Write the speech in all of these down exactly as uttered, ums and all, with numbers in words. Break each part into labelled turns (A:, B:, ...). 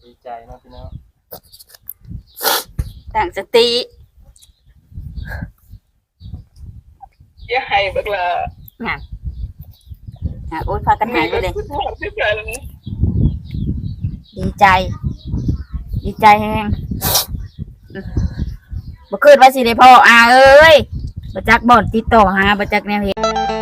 A: ดีใจนะพี่น้อง
B: ตั้งสติ
C: อย่าให้บักละ
B: งานอ่ะโอ๊ยพากันหายไปเลยดีใจดีใจแฮงบ่คืนว่าสิได้พ่ออาเอ้ยบ่จักบ่อนติดต่อหาบ่จักแนวเฮ็ด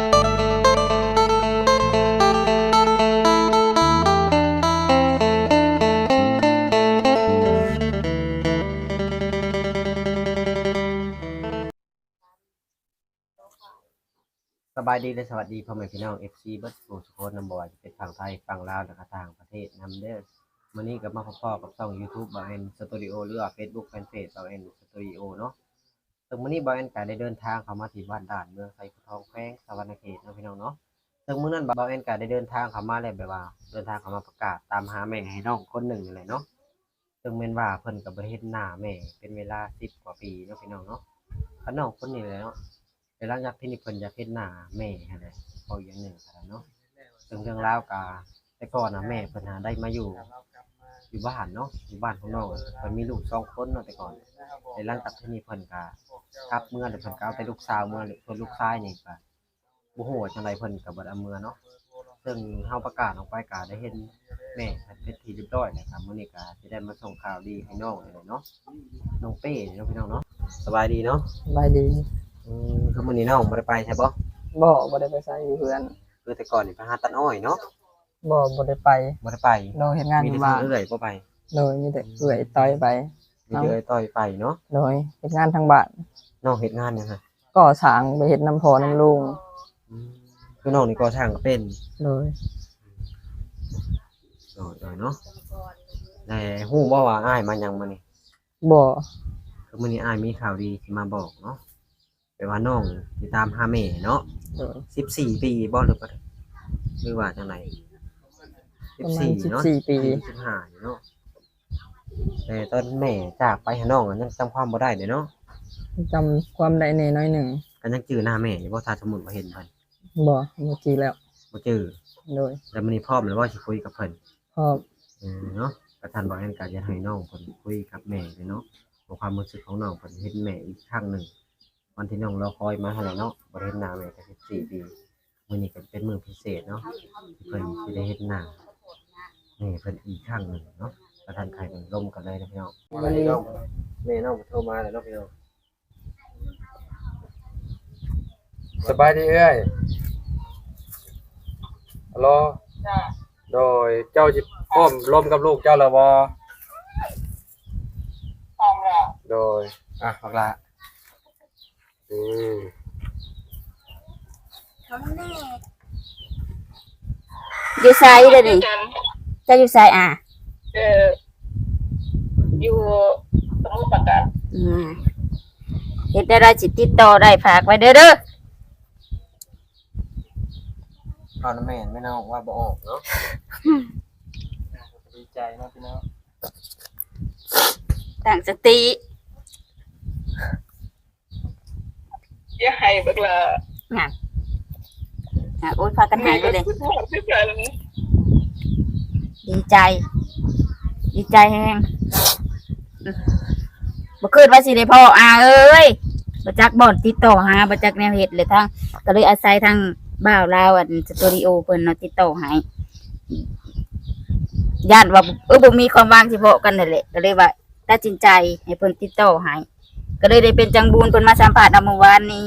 D: สบายดีและสวัสดีพ่อแม่พี่น้อง เอฟ ซี เบิร์ดโฟร์สโคนนำบ่อยเป็นฝั่งไทยฝั่งลาวและก็ต่างประเทศนำเด้อมื้อนี้ก็มาพบกับช่อง YouTube บ่าวแอนสตูดิโอหรือว่า Facebook Fanpage บ่าวแอนสตูดิโอเนาะซึ่งมื้อนี้บ่าวแอนก็ได้เดินทางเข้ามาที่บ้านด่านเมืองไซภูทองแขวงสะวรรณเขตเนาะพี่น้องเนาะซึ่งมื้อนั้นบ่าวแอนก็ได้เดินทางเข้ามาแล้วแบบว่าเดินทางเข้ามาประกาศตามหาแม่ให้น้องคนหนึ่งนี่แหละเนาะซึ่งแม่นว่าเพิ่นก็บ่ได้เห็นหน้าแม่เป็นเวลาสิบกว่าปีเนาะพี่น้องเนาะคันน้องคนนี้แหละเนาะแต่หลังจากที่นี่เพิ่นอยากเห็นหน้าแม่หั่นแหละพออย่างหนึ่งเนาะซึ่งเรื่องราวกาแต่ก่อนนะแม่เพิ่นหาได้มาอยู่อยู่บ้านเนาะอยู่บ้านของน้องเพิ่นมีลูกสองคนเนาะแต่ก่อนแต่หลังจากที่นี่เพิ่นก็กลับเมื่อแล้วเพิ่นก็เอาแต่ลูกสาวเมื่อเพิ่นลูกชายนี่ก็บ่ฮู้ว่าจังไดเพิ่นก็บ่ได้เอาเมื่อเนาะซึ่งเฮาประกาศออกไปก็ได้เห็นแม่เพิ่นเป็นที่เรียบร้อยแล้วครับมื้อนี้ก็สิได้มาส่งข่าวดีให้น้องเลยเนาะน้องเป้เนาะพี่น้องเนาะสบายดีเนาะ
A: สบายดี
D: อืมคือมื้อนี้น้องบ่ได้ไปใช่บ่
A: บ่บ่ได้ไปไสอยู่เพื่อน
D: คือแต่ก่อนนี่ไปหาตัดอ้อยเนาะ
A: บ่บ่ได้ไป
D: บ่ได้ไป
A: โดยเฮ็ดงานอยู่บ้าน
D: มีแต่เอื้อยบ่ไป
A: โดยมีแต่เอื้อยต่อยไป
D: มีแต่เอื้อยต่อยไปเนาะ
A: โดยเฮ็ดงานทางบ้าน
D: น้องเฮ็ดงานหยังฮะ
A: ก่อสร้างไปเฮ็ดน้ำพอน้ำลุง
D: อืมคือน้องนี่ก่อสร้างก็เป็น
A: โดย
D: โดยๆเนาะแต่ฮู้บ่ว่าอ้ายมาหยังมื้อนี้
A: บ่
D: คือมื้อนี้อ้ายมีข่าวดีสิมาบอกเนาะแปลว่าน้องสิตามหาแม่เนาะ
A: โดย
D: สิบสี่ปีบ่หรือบ่หรือว่าจังได๋
A: ประมาณสิบ
D: เนาะ
A: สี่ปี
D: สิบห้าเนาะแต่ตอนแม่จากไปหาน้องยังจำความบ่ได้เด้เนาะ
A: จำความได้แน่น้อยหนึ่ง
D: ก็ยังจื้อหน้าแม่อยู่บ่ถ้าสมมุติว่าเห็นเพิ่น
A: บ่เมื่อกี้แล้ว
D: บ่จื้อ
A: โดย
D: แล้วมื้อนี้พร้อมแล้วบ่สิคุยกับเพิ่น
A: พร้อม
D: เออเนาะประธานบอกแอนก็จะให้น้องเพิ่นคุยกับแม่เลยเนาะของความรู้สึกของน้องเพิ่นเห็นแม่อีกครั้งหนึ่งวันที่น้องรอคอยมาเท่าไหร่เนาะบ่ได้เห็นหน้าแม่ก็สิบสี่ปีมื้อนี้ก็เป็นมื้อพิเศษเนาะที่เพิ่นสิได้เห็นหน้าแม่เพิ่นอีกครั้งหนึ่งเนาะประธานไข่เพิ่นร่มกันเลยนะพี่น้องวันนี้น้องแม่น้องโทรมาแล้วเนาะพี่น้อง
E: สบายดีเอ้ยฮัลโหล
C: จ้า
E: โดยเจ้าจิพร้อมร่วมกับลูกเจ้าแล้วบ่
C: พร้อมแล้ว
E: โดยอ่ะบักละอืม
B: อยู่ไสเด้อนี่จะอยู่ไสอ่ะ
C: เอออยู่สมุทรปราการ
B: อืมเฮ็ดได้ได้สิติดต่อได้ฝากไว้เด้อเด้อ
D: เอาน้ำแม่นแม่น้องว่าบ่ออกเนาะ
A: ดีใจนะพี่น้อง
B: ตั้งสติ
C: อย่าให้บักละ
B: งานอ่ะโอ๊ยพากันหายไปเลยดีใจดีใจแฮงบ่คืนว่าสิได้พ่ออาเอ้ยบ่จักบ่อนติดต่อหาบ่จักแนวเฮ็ดเลยทางก็เลยอาศัยทางบ่าวลาวอันสตูดิโอเพิ่นเนาะติดต่อให้ย่านว่าเออบ่มีความว่างสิพอกันนั่นแหละก็เลยว่าตัดสินใจให้เพิ่นติดต่อให้ก็เลยได้เป็นจังบูนเพิ่นมาสัมภาษณ์เมื่อวานนี้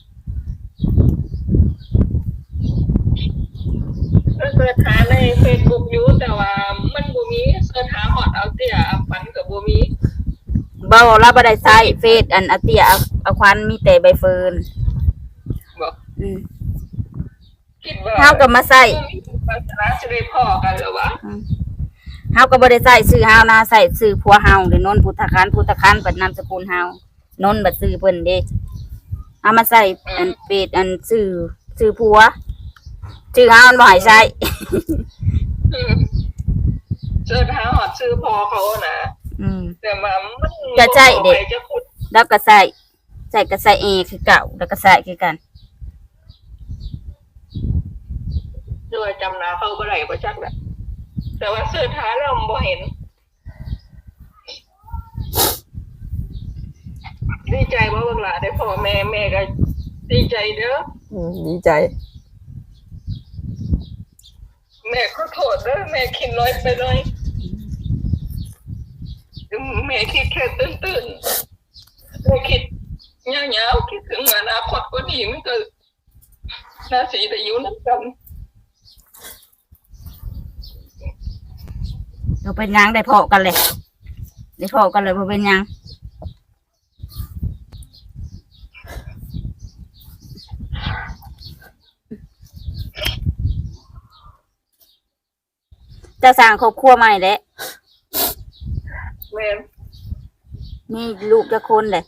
C: เสิร์ชหาใน Facebook อยู่แต่ว่ามันบ่มีเสิร์ชหาฮอดเอาเตี้ยฝันก็บ่มี
B: บ่เราบ่ได้ใช้เฟซอันอาเตียเอาควันมีแต่ใบเฟิร์น
C: บ่
B: อืม
C: คิดว่า
B: เฮาก็มาใช้
C: ภาษาสิได้พ้อกันแล้ววะ
B: เฮาก็บ่ได้ใช้ชื่อเฮานะใช้ชื่อผัวเฮาเด้นนท์พุทธคันพุทธคันเปิดนามสกุลเฮานนท์บัดชื่อเพิ่นเด้เอามาใช้อันเฟซอันชื่อชื่อผัวชื่อเฮามันบ่ให้ใช้
C: เสิร์ชหาฮอดชื่อพ่อเขาน่ะ
B: อืม
C: แต่ว่ามัน
B: จะใช่เด็กแล้วก็ใส่ใส่ก็ใส่เอคือเก่าแล้วก็ใส่คือกัน
C: ด้วยจำหน้าเขาบ่ได้บ่จักแหละแต่ว่าเสิร์ชหาแล้วบ่เห็นอแม่แม่ก็ดีใจเด้อ
A: อืมดีใจ
C: แม่ขอโทษเด้อแม่คิดน้อยไปหน่อยแม่คิดแค่ตื่นๆแม่คิดยาวๆคิดถึงอนาคตก็ดีมันก็น่าสีแต่อยู่นั่นกัน
B: เราเป็นหยังได้พอกันเลยได้พอกันเลยบ่เป็นหยังจะสร้างครอบครัวใหม่แหละ
C: แม่
B: มีลูกจะคนเลย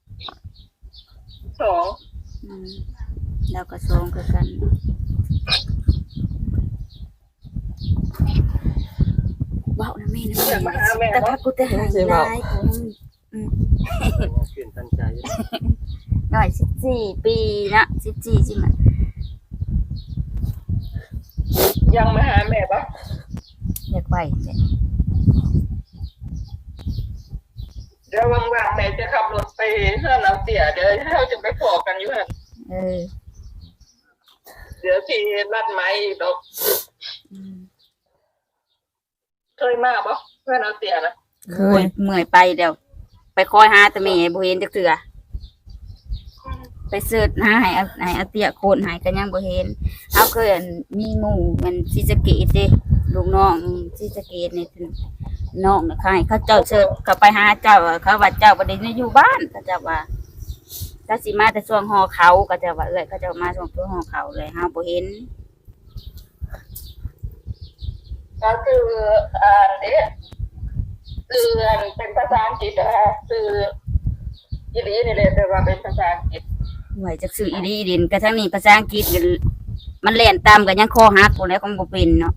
C: สอง
B: อืมแล้วก็สองคือกันเว้านะแม่นะ
C: อยากมาหาแม่
B: แต่
C: บ่
B: พักกูจะหายลายกูอืม
D: เปลี่ยนตั้งใจ
B: หน่อยสิบสี่ปีนะสิบสี่ใช่ไหม
C: ยังมาหาแม่ปะ
B: อยากไปเนี่ย
C: เดี๋ยวว่างๆแม่จะขับรถไปเพื่อนเราเตี๋ยเดี๋ยวเราจะไปพอกันอยู่ฮะ
B: เออ
C: เดี๋ยวที่รัดไม้อีกดอก
B: อืม
C: เคยมาปะเพื่อนเราเตี๋ยนะ
A: เค
B: เมื่อย ยเมื่อยไปเดี๋ยว ไปคอยหาแต่แม่บ่เห็นจักเทื่อไปเสิร์ชหาให้เอาให้เอาเตี้ยโคนให้ก็ยังบ่เห็นเอาเคยอันมีหมู่มันศรีสะเกษเด้ลูกน้องศรีสะเกษนี่น้องน่ะใครเขาเจ้าเสิร์ชเขาไปหาเจ้าอะเขาว่าเจ้าบ่ได้อยู่บ้านเขาเจ้าว่าถ้าสิมาแต่ช่วงหอเขาก็จะว่าเอ้ยเขาเจ้ามาช่วงตัวหอเขาเลยเฮาบ่เห็น
C: ก็คืออ่านเอ๊ะคืออันเป็นภาษาอังกฤษนะคะคืออีหลีนี่เลยแต่ว่าเป็นภาษาอังกฤษ
B: ไหวจักซื้ออีหลีอีดินกระทั่งนี้ภาษาอังกฤษก็มันแล่นตามก็ยังคอหักพุ่นแล้วก็บ่เป็นเนาะ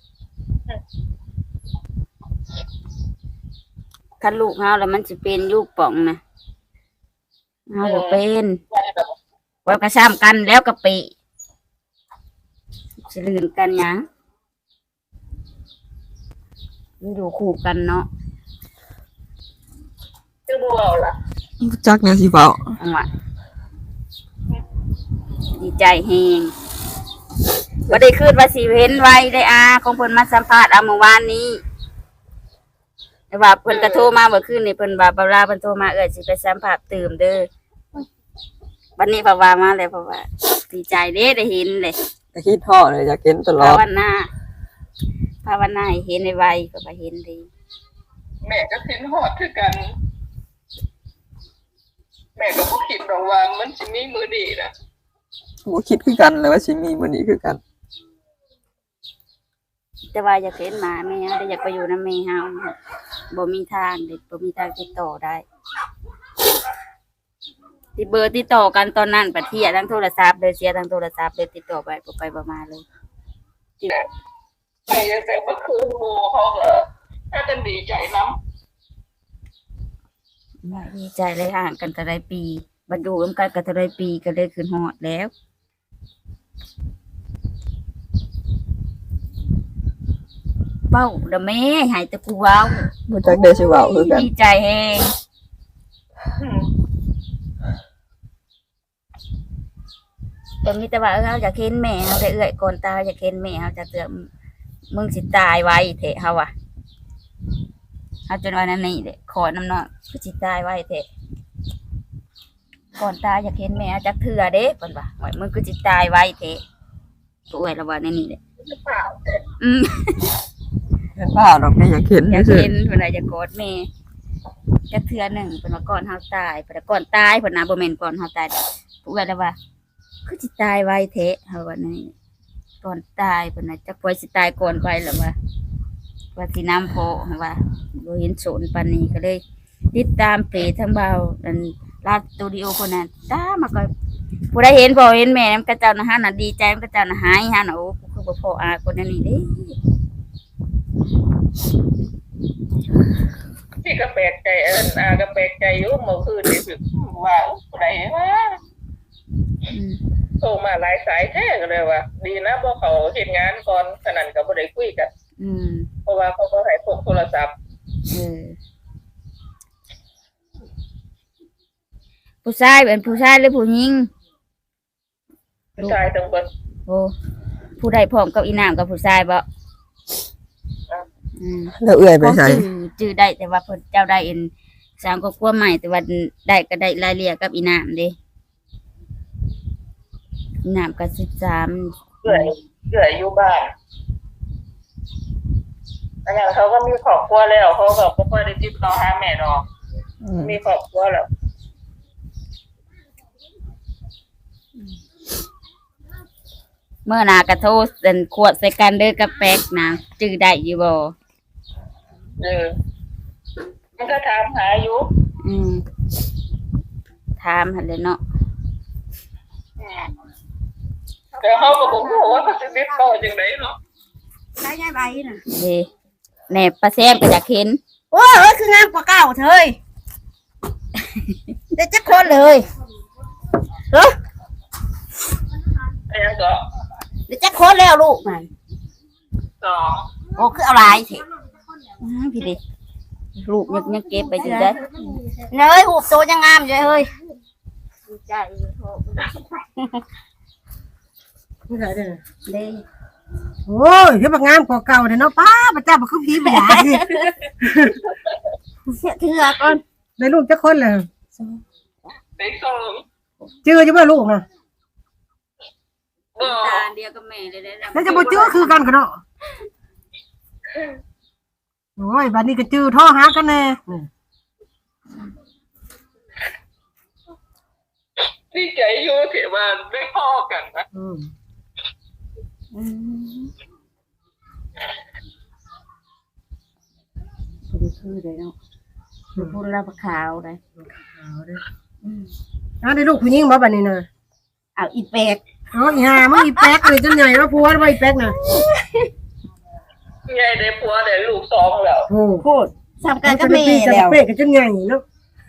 B: คันลูกเฮาแล้วมันสิเป็นลูกป่องนะเฮาบ่เป็น
C: ใช่แบบ
B: ไว้กระซ้ำกันแล้วก็ปิสิลื่นกันหยังอยู่คู่กันเนาะ
C: คือบัวเอาล่ะ
A: รู้จักแนวสิเว้า
B: อันว่าดีใจแฮงบ่ได้คืนว่าสิเห็นไว้ได้อาของเพิ่นมาสัมภาษณ์เอาเมื่อวานนี้แต่ว่าเพิ่นก็โทรมาเมื่อคืนนี่เพิ่นว่าบ่ลาเพิ่นโทรมาเอ้ยสิไปสัมภาษณ์ตื่มเด้อวันนี้เพราะว่ามาแล้วเพราะว่าดีใจเด้ได้เห็นเลย
A: แต่คิดพ่อเลยอยากเห็นตลอ
B: ภา
A: ด
B: วนาภาวนาให้เห็นไวๆก็ว่าเห็นดี
C: แม่ก็คิดฮอดคือกัน แม่ก็บ่คิดดอกว่ามันสิมีมือดีนะ
A: บ่คิดคือกันเลยว่าสิมีมื้อนี้คือกัน
B: แต่ว่าอยากเห็นหมาแม่เฮาได้อยากไปอยู่นำแม่เฮาบ่มีทางเด็ดบ่มีทางติดต่อได้ติดเบอร์ติดต่อกันตอนนั้นปัดเทียทั้งโทรศัพท์เลยเสียทั้งโทรศัพท์เลยติดต่อไปบ่ไปบ่มาเลย
C: แม่ยังแต่เมื่อคืนโมเขาก็ถ้ากันดีใจน้
B: ดีใจเลยห่างกันแต่ได้ปีบรรดูร่วมกันกันแต่ได้ปีก็เลยขึ้นฮอดแล้วเว้าเด้อแม่ให้แต่กูเว้า
A: บ่จักได้สิเว้าคือกัน
B: ดีใจแฮง
C: ำอืม
B: แต่มีแต่ว่าเออเฮาอยากเห็นแม่เฮาได้เอื้อยก่อนตายอยากเห็นแม่เฮาจะเตือมึงสิตายไว้เถอะเฮาอ่ะเฮาจนว่านั้นนี่เด้ขอน้ำน้องกูสิตายไว้เถอะก่อนตายอยากเห็นแม่จักเทื่อเด้เพิ่นว่าโอ้ยมึงกูสิตายไว้เถอะกูเอ้ยละว่าในนี่เด้
C: หรือเปล่า
B: อืม
A: เห็นบ่ดอกนี่อยากเห็น
B: อยาก
A: ซื่อ
B: เห็นเพิ่นว่าอยากกอดแม่จักเทื่อหนึงเพิ่นว่าก่อนเฮาตายเพิ่นว่าก่อนตายเพิ่นน่ะบ่แม่นก่อนเฮาตายกูเอ้ยละว่ากูสิตายไว้เถอะเฮาว่าในนี่ก่อนตายเพิ่นน่ะจักป่วยสิตายก่อนไปละว่า ว่าที่น้ำโพว่าบ่เห็นโสนปานนี้ก็เลย ติดตามเพจทั้งเบาอันลาดสตูดิโอคนนั้นตามมาก็ผู้ใดเห็นบ่เห็นแม่นำกระเจ้านะฮะน่ะดีใจมันกระเจ้านะหายฮะน่ะโอ้คือบ่พออาคนนั้นนี่เด้
C: พี่ก็แปลกใจเอินอาก็แปลกใจอยู่เมื่อคืนนี่คือว่าผู้ใดว่า
B: อืม
C: โทรมาหลายสายแท้ก็เลยว่า ดีนะบ่เขาเฮ็ดงานก่อนขนาดก็บ่ได้คุยกัน
B: อืม
C: เพราะว่าเขาก็ให้พกโทรศัพท์
B: เออผู้ชายเป็นผู้ชายหรือผู้หญิง
C: ผู้ชายทั้งหมด
B: โอ้ผู้ใดพร้อมกับอีนามกับผู้ชายบ่อืม
A: แล้วเอื้อยไป
B: ของ
A: ใส่
B: จื้อจื้อได้แต่ว่าเพิ่นเจ้าได้เอ็นสร้างครอบครัวใหม่แต่ว่าได้ก็ได้รายละเอียดกับอีนามเด้อีนามก็สิบสาม
C: เอื่อยเอื่อยอยู่บ้านอันนั้นเขาก็มีครอบครัวแล้วเขาก็บ่ค่อยได้ติดต่อหาแม่ดอก
A: อืม
C: มีครอบครัวแล้ว
B: เมื่อหนากระโทษเป็นขวดใส่กันเด้อกับแป๊กนะจื้อได้อยู่บ่
C: เออมันก็ถามหาอยู่
B: อืมถามหั่นเลยเนาะ
C: อืมแต่เขาก็บอกว่าเขาจะติดต่อจังไดเนาะ
B: ใช้ยายใบน่ะเด้แหน่ป้าแซมก็อยากเห็น
F: โอ้ยคืองามกว่าเก่าเธยเด็กจักคนเลยเฮ้ย
C: อันนั้นก็
F: เด็กจักคนแล้วลูกมัน
C: สอง
F: โอ้คือเอาหลายเถอะ
B: อ้าวพี่ดิลูกยังยังเก็บไปอยู่ได้
F: เนยหูบโตยังงามอยู่เฮ้ย
B: ใจเด้
G: โอ้ยเดี๋ยวบักงามกว่าเก่าเด้อเนาะป้าพระเจ้าบ่คือผีบ่อยากสิ
F: เสียเถื่อก่อน
G: ได้ลูกจักคนแล้ว
C: เป็นสอง
G: เจออยู่บ่ลูกน่ะ
C: บ่
B: ตาเดียวกับแม่เลยได้
G: แล้วจะบ่เจอคือกันกันเนาะโอ้ยบัดนี้ก็เจอโทรหากันแน่อืม
C: ดีใจอยู่ที่ว่าได้พ่อกันนะ
G: อืม
B: พอดีคือเลยเนาะพูดแล้วขาวเลย
G: เอาเด้ออืมอ้าวได้ลูกผู้หญิงบ่บัดนี้น่ะ
B: เอาอีแป๊ก
G: อ๋ออีห่ามึงอีแป๊กเลยจนใหญ่ว่าผัวบ่อีแป๊กน่ะ
C: ยายได้ผัวได้ลูกสองแล้ว
G: โอ้
F: พูดสำกันกับแม่
G: จะ
F: แล้ว
G: เป๊กกันจนใหญ่เนาะ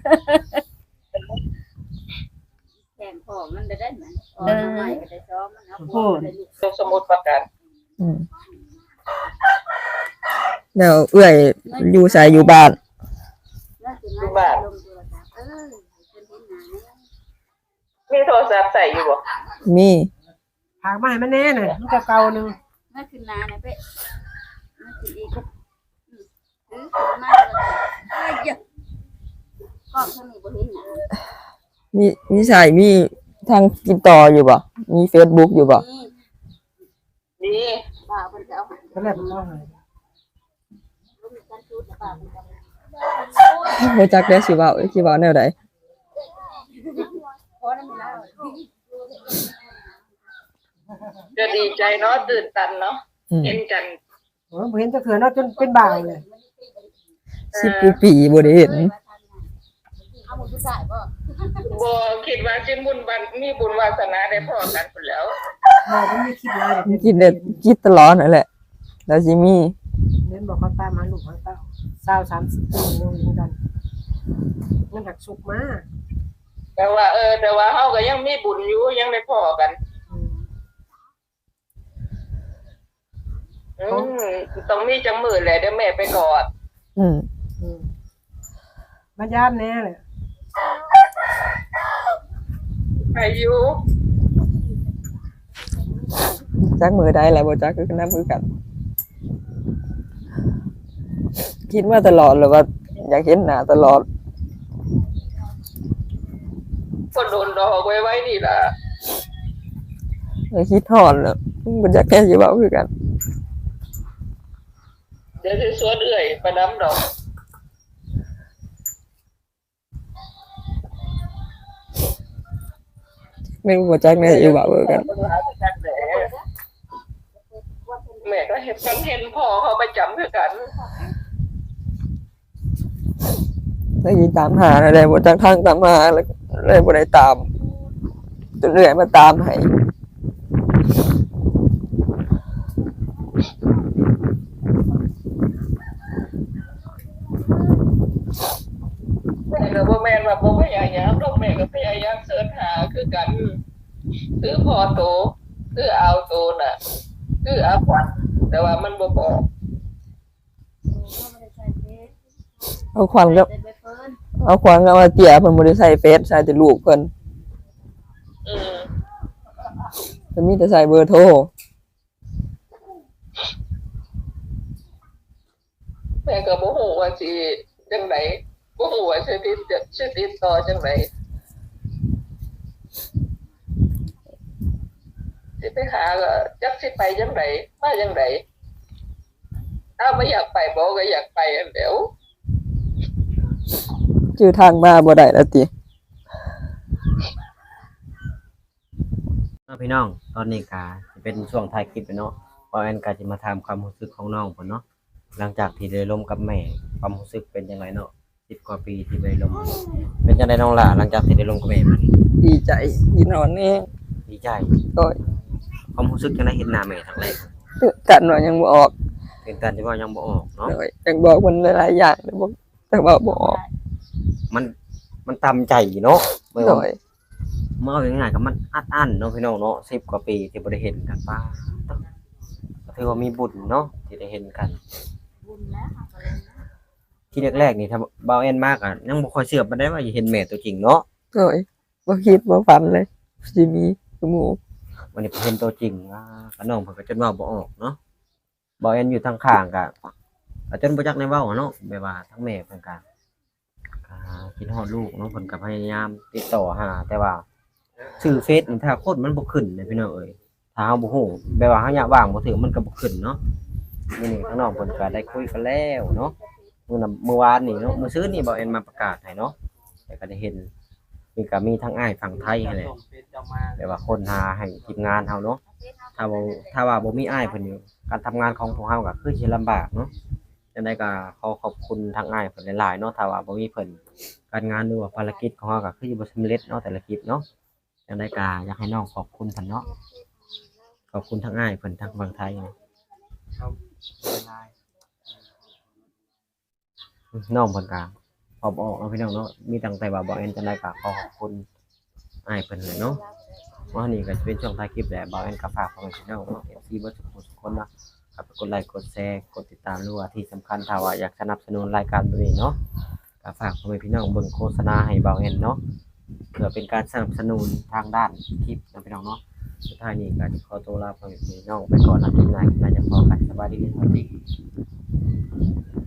B: แข่งพ่อมันได้ได้ไหมอ๋อทำไมก็ได้ซ้อมมันเอาพูด
C: ลูกสมุดประกัน
A: อืมแล้วเอื้อยอยู่ใส่อยู่บ้าน
C: อยู่บ้านมีโทรศัพท์ใส่อยู่บ่
A: มี
G: ผากมาให้มันแน่น่ะมันก็เก่าหนึง
B: นั่นคือนาเนี่ยเป๊ะนั่นคืออีกอืมถือขึ้นมาเลยเอ้ยเยอะก็เท่านี้บ่เห็นหนา
A: มีมีใส่มีทางติดต่ออยู่บ่มี Facebook อยู่บ่
B: นี่
C: นี่
B: ป้าเพิ่นจะเอาให้
G: ก็แล้วมันเอาให้
B: ลูกมีการชุดแล้วป้าเพิ่นจะเอา
A: บ่จักได้สิเว้าสิเว้าแนวใด
B: พอแล้วมีแล้ว
C: จะดีใจเนาะตื่นตันเนาะ
A: อืม
C: เห็นกัน
G: โอ้ยบ่เห็นจักเทื่อเนาะจนเป็นบ่าวเลย
A: สิบกว่าปีบ่ได้เห็น
B: เอาหมดทุกสายบ่
C: บ่คิดว่าสิบุญบันมีบุญวาสนาได้พ่อกันพุ่นแล้ว
G: บ่มันมีคิดหลายเด้อ
A: คิดได้คิดตลอดนั่นแหละ แล้วสิมี
G: เน้นบอกเขาตามหาลูกหาเต้าสาวสามสิบปียังอยู่กันมันหักสุกมา
C: แต่ว่าเออแต่ว่าเฮาก็ยังมีบุญอยู่ยังได้พ่อกัน
G: อืม
C: อืมต้องมีจังมือแหละเดี๋ยวแม่ไปกอด
A: อืม
G: อืมบรรยามแน่เลย
C: ไปอยู่
A: จักมือใดแหละบ่จักคือกันนำคือกัน คิดมาตลอดเลยว่า อยากเห็นหน้าตลอด
C: คนโดนดอกไว้ไว้นี่ล่ะ
A: เลยคิดฮอดแล้วบ่จักแค่สิเว้าคือกัน
C: เดี๋ยวสิสวนเอื้อยไปน้ำดอก
A: ไม่รู้บ่จักแน่สิเว้าคือกัน
C: แม่ก็เห็นกันเห็นพ่อเขาไปจำคือกัน
A: แล้วสิตามหาอะไรบ่จักทางตามหาแล้วเลยบ่ได้ตามจนเรื่อยมาตามให้
C: แม่ก็บ่แม่นว่าบ่พยายามดอกแม่ก็พยายามเสิร์ชหาคือกัน คือพอโต คือเอาโตน่ะ คืออาขวัญแต่ว่ามันบ่บอก
A: เอาควันกับ
B: ได้ไปเพิ่น
A: เอเอาขวางเอามาเตี่ยเพิ่นบ่ได้ใส่เฟซใส่แต่ลูกเพิ่น
C: อืม
A: เพิ่นมีแต่ใส่เบอร์โทร
C: แม่ก็บ่ฮู้ว่าสิจังไดบ่ฮู้ว่าสิติดสิติดต่อจังไดสิไปหาก็จักสิไปจังไดมาจังไดถ้าไม่อยากไปบ่ก็อยากไปอันเดียว
A: ชื่อทางมาบ่ได้แล้วติ
D: เนาะพี่น้องตอนนี้ก็สิเป็นช่วงท้ายคลิปแล้วเนาะเพราะแอนก็สิมาถามความรู้สึกของน้องเพิ่นเนาะหลังจากที่ได้ร่วมกับแม่ความรู้สึกเป็นจังไดเนาะสิบกว่าปีที่ได้ร่วมเป็นจังไดน้องล่ะหลังจากที่ได้ร่วมกับแม่มานี่
A: ดีใจที่นอนแน่
D: ดีใจ
A: โอ้ย
D: ความรู้สึกจังไดเห็นหน้าแม่ครั้งแรก
A: ตื่นกันว่ายังบ่ออก
D: เป็นการที่ว่ายังบ่ออกเนาะ
A: โอ้ยยังบอกเพิ่นหลายๆอย่างแต่บ่แต่ว่าบ่ออก
D: มันมันตามใจเนาะไม่
A: โด
D: ว่าย เมื่อเอาง่ายๆก็มันอัดอั้นเนาะพี่น้องเนาะสิบกว่าปีที่บ่ได้เห็นกันป้าก็ถือว่ามีบุญเนาะที่ได้เห็นกัน ที่แรกๆนี่ถ้าเบาแอนมากอ่ะยังบ่ค่อยเชื่อปานใดว่าจะเห็นแม่ตัวจริงเนาะ
A: โอ้ยบ่คิดบ่ฝันเลยสิมีคือหมู่
D: วันนี้เห็นตัวจริงว่าก็น้องเพิ่นก็จนเว้าบ่ออกเนาะเบาแอนอยู่ทางข้างก็ก็จนบ่จักได้เว้าอะเนาะแบบว่าทั้งแม่เพิ่นก็อ่าคิดฮอดลูกเนาะเพิ่นก็พยายามติดต่อหาแต่ว่าชื่อเฟซนี่ถ้าคนมันบ่ขึ้นเลยพี่น้องเอ้ยถ้าเฮาบ่ฮู้แบบว่าเฮาอยากว่างบ่ถึงมันก็บ่ขึ้นเนาะมื้อนี้ทั้งน้องเพิ่นก็ได้คุยกันแล้วเนาะมื้อนั้นเมื่อวานนี่เนาะมื้อซื่อนี่เบาแอนมาประกาศให้เนาะแต่ก็ได้เห็นมีก็มีทั้งอ้ายฝั่งไทยนั่นแหละแบบว่าคนหาให้ทีมงานเฮาเนาะถ้าบ่ถ้าว่าบ่มีอ้ายเพิ่นอยู่การทำงานของพวกเฮาก็คือสิลำบากเนาะจังได๋ก็ขอขอบคุณทางอ้ายเพิ่นหลายๆเนาะถ้าว่าบ่มีเพิ่นการงานหรือว่าภารกิจของเฮาก็คือสิบ่สำเร็จเนาะแต่ละคลิปเนาะจังได๋ก็อยากให้น้องขอบคุณเพิ่นเนาะขอบคุณทางอ้ายเพิ่นทางฝั่งไทยเนาะน้องเพิ่นก็พอบ่ออกเนาะพี่น้องเนาะมีตั้งแต่ว่าบ่แอนจังได๋ก็ขอขอบคุณอ้ายเพิ่นเลยเนาะว่านี่ก็จะเป็นช่วงท้ายคลิปแหละบ่แอนก็ฝากพ่อแม่พี่น้องเนาะ เอฟ ซี เบิดทุกคนทุกคนเนาะ ครับกดไลค์กดแชร์กดติดตามด้วยที่สำคัญถ้าว่าอยากสนับสนุนรายการแบบนี้เนาะก็ฝากพ่อแม่พี่น้องเบิ่งโฆษณาให้เบาแอนเนาะเพื่อเป็นการสนับสนุนทางด้านคลิปนะพี่น้องเนาะสุดท้ายนี้ก็ขอตัวลาพ่อแม่พี่น้องไปก่อนนะคลิปหน้าคลิปหน้าจะพบกันสวัสดีครับ